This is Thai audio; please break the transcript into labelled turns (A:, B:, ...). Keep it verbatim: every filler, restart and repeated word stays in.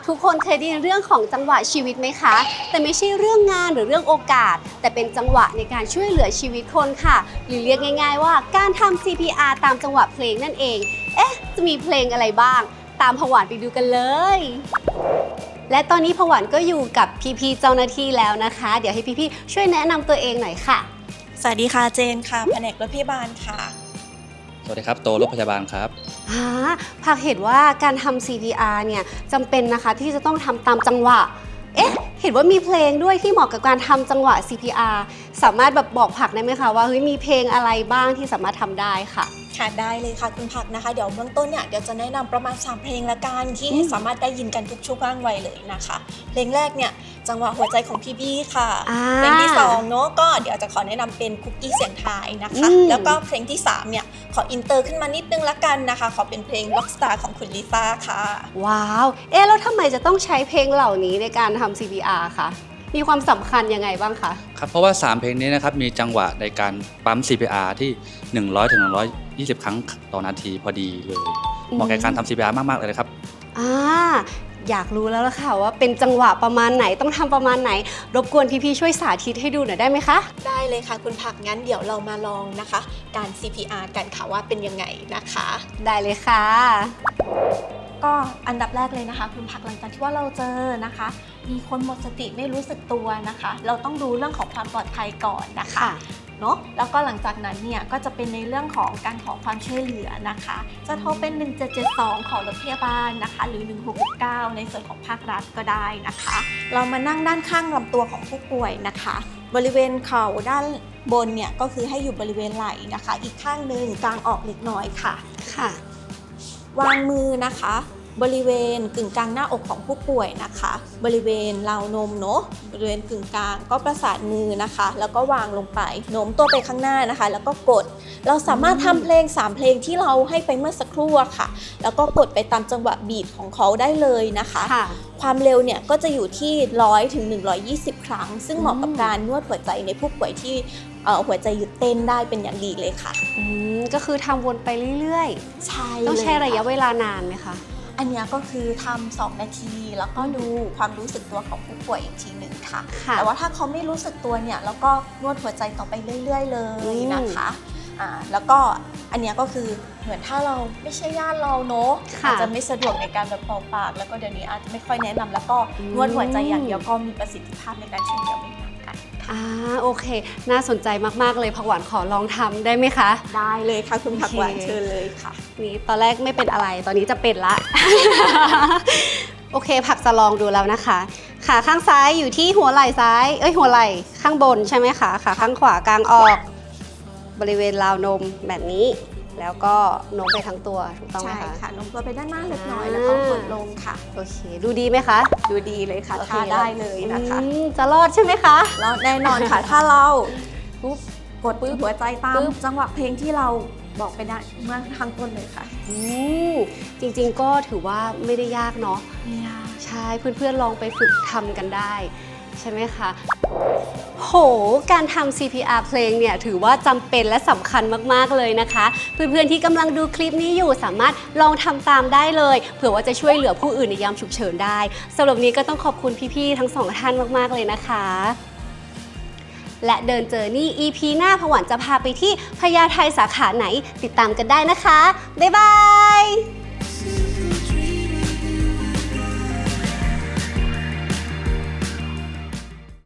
A: ทุกคนเคยได้ยินเรื่องของจังหวะชีวิตไหมคะแต่ไม่ใช่เรื่องงานหรือเรื่องโอกาสแต่เป็นจังหวะในการช่วยเหลือชีวิตคนค่ะหรือเรียกง่ายๆว่าการทำ ซี พี อาร์ ตามจังหวะเพลงนั่นเองเอ๊ะจะมีเพลงอะไรบ้างตามผวานไปดูกันเลยและตอนนี้ผวานก็อยู่กับพี่ๆเจ้าหน้าที่แล้วนะคะเดี๋ยวให้พี่ๆช่วยแนะนำตัวเองหน่อยค่ะ
B: สวัสดีค่ะเจนค่ะแผนกรถพยาบาลค่ะ
C: สวัสดีครับโตรถพยาบาลครับ
A: อ่าภาคเห็นว่าการทำ ซี พี อาร์ เนี่ยจำเป็นนะคะที่จะต้องทำตามจังหวะเอ๊ะเห็นว่ามีเพลงด้วยที่เหมาะกับการทำจังหวะ ซี พี อาร์ สามารถแบบบอกผักได้ไหมคะว่าเฮ้ยมีเพลงอะไรบ้างที่สามารถทำได้ค่ะ
B: ค่ะได้เลยค่ะคุณผักนะคะเดี๋ยวเบื้องต้นเนี่ยเดี๋ยวจะแนะนำประมาณสามเพลงละกันที่สามารถได้ยินกันทุกช่วงวัยเลยนะคะเพลงแรกเนี่ยจังหวะหัวใจของพี่บี้ค่ะเพลงที่สองเนาะก็เดี๋ยวจะขอแนะนำเป็นคุกกี้เสียงไทยนะคะแล้วก็เพลงที่สามเนี่ยขออินเตอร์ขึ้นมานิดนึงละกันนะคะขอเป็นเพลง Rockstar ของคุณลิซ่าค่ะ
A: ว้าวเอ๊ะแล้วทำไมจะต้องใช้เพลงเหล่านี้ในการทำ ซี พี อาร์ คะมีความสำคัญยังไงบ้างคะ
C: ครับเพราะว่าสามเพลงนี้นะครับมีจังหวะในการปั๊ม ซี พี อาร์ ที่หนึ่งร้อยถึงหนึ่งร้อยยี่สิบครั้งต่อนาทีพอดีเลยเหมาะกับการทำ ซี พี อาร์ มากๆเลยครับ
A: อ่าอยากรู้แล้วล่ะค่ะว่าเป็นจังหวะประมาณไหนต้องทำประมาณไหนรบกวนพี่ๆช่วยสาธิตให้ดูหน่อยได้ไหมคะ
B: ได้เลยค่ะคุณผักงั้นเดี๋ยวเรามาลองนะคะการ ซี พี อาร์ กันค่ะว่าเป็นยังไงนะคะ
A: ได้เลยค่ะ
B: ก็อันดับแรกเลยนะคะคุณผักหลังจากที่ว่าเราเจอนะคะมีคนหมดสติไม่รู้สึกตัวนะคะเราต้องดูเรื่องของความปลอดภัยก่อนนะคะเนาะแล้วก็หลังจากนั้นเนี่ยก็จะเป็นในเรื่องของการขอความช่วยเหลือนะคะจะโทรเป็นหนึ่งเจ็ดเจ็ดสองขอรถพยาบาลนะคะหรือหนึ่งหกหกเก้าในส่วนของภาครัฐก็ได้นะคะเรามานั่งด้านข้างลำตัวของผู้ป่วยนะคะบริเวณเข่าด้านบนเนี่ยก็คือให้อยู่บริเวณไหล่นะคะอีกข้างหนึ่งกางออกเล็กน้อยค่ะ
A: ค่ะ
B: วางมือนะคะบริเวณกึ่งกลางหน้าอกของผู้ป่วยนะคะบริเวณราวนมเนาะบริเวณกึ่งกลางก็ประสานมือนะคะแล้วก็วางลงไปโน้มตัวไปข้างหน้านะคะแล้วก็กดเราสามารถทำเพลงสามเพลงที่เราให้ไปเมื่อสักครู่ค่ะแล้วก็กดไปตามจังหวะบีทของเขาได้เลยนะคะความเร็วเนี่ยก็จะอยู่ที่หนึ่งร้อยถึงหนึ่งร้อยยี่สิบครั้งซึ่งเหมาะกับการนวดหัวใจในผู้ป่วยที่หัวใจหยุดเต้นได้เป็นอย่างดีเลยค่ะ
A: อืมก็คือทำวนไปเรื่อยๆ
B: ใช่
A: ต้องใช้ระยะเวลานานไหมคะ
B: อันนี้ก็คือทำสองนาทีแล้วก็ดูความรู้สึกตัวของผู้ป่วยอีกทีหนึ่งค่ะแต่ว่าถ้าเขาไม่รู้สึกตัวเนี่ยแล้วก็นวดหัวใจต่อไปเรื่อยๆเลยนะคะอ่าแล้วก็อันนี้ก็คือเหมือนถ้าเราไม่ใช่ญาติเราเนาะอาจจะไม่สะดวกในการแบบเป่าปากแล้วก็เดี๋ยวนี้อาจจะไม่ค่อยแนะนำแล้วก็นวดหัวใจอย่างเดียวก็มีประสิทธิภาพในการช่วยเหลือไม่ต่างกัน
A: อ่าโอเคน่าสนใจมากๆเลยผักหวานขอลองทำได้ไหมคะ
B: ได้เลยค่ะคุณผักหวานเชิญเลยค่ะ
A: นี่ตอนแรกไม่เป็นอะไรตอนนี้จะเป็นละ โอเคผักจะลองดูแล้วนะคะขาข้างซ้ายอยู่ที่หัวไหล่ซ้ายเอ้ยหัวไหล่ข้างบนใช่ไหมคะขาข้างขวากางออกบริเวณราวนมแบบนี้แล้วก็โน้มไปทั้งตัวถูกต้องไหมคะ
B: ใช่ค่ะโน้มตัวไปด้านหน้าเล็กน้อยแล้วก็กดลงค่ะ
A: โอเคดูดีไหมคะ
B: ดูดีเลยค่ะท่าได้เลยนะคะ
A: จะรอดใช่ไหมคะ
B: แล้วแน่นอนค่ะถ้าเราปุ๊บกดปื้หัวใจตามจังหวะเพลงที่เราบอกไปได้เมื่อข้างต้นเลยค่ะ
A: อืมจริงๆก็ถือว่าไม่ได้ยากเนาะ
B: ไม่ยาก
A: ใช่เพื่อนๆลองไปฝึกทำกันได้ใช่ไหมคะโหการทำ ซี พี อาร์ เพลงเนี่ยถือว่าจำเป็นและสำคัญมากๆเลยนะคะเพื่อนๆที่กำลังดูคลิปนี้อยู่สามารถลองทำตามได้เลยเผื่อว่าจะช่วยเหลือผู้อื่นในยามฉุกเฉินได้สำหรับนี้ก็ต้องขอบคุณพี่ๆทั้งสองท่านมากๆเลยนะคะและเดินเจอนี่ อี พี หน้าผวานจะพาไปที่พญาไทสาขาไหนติดตามกันได้นะคะบ๊ายบาย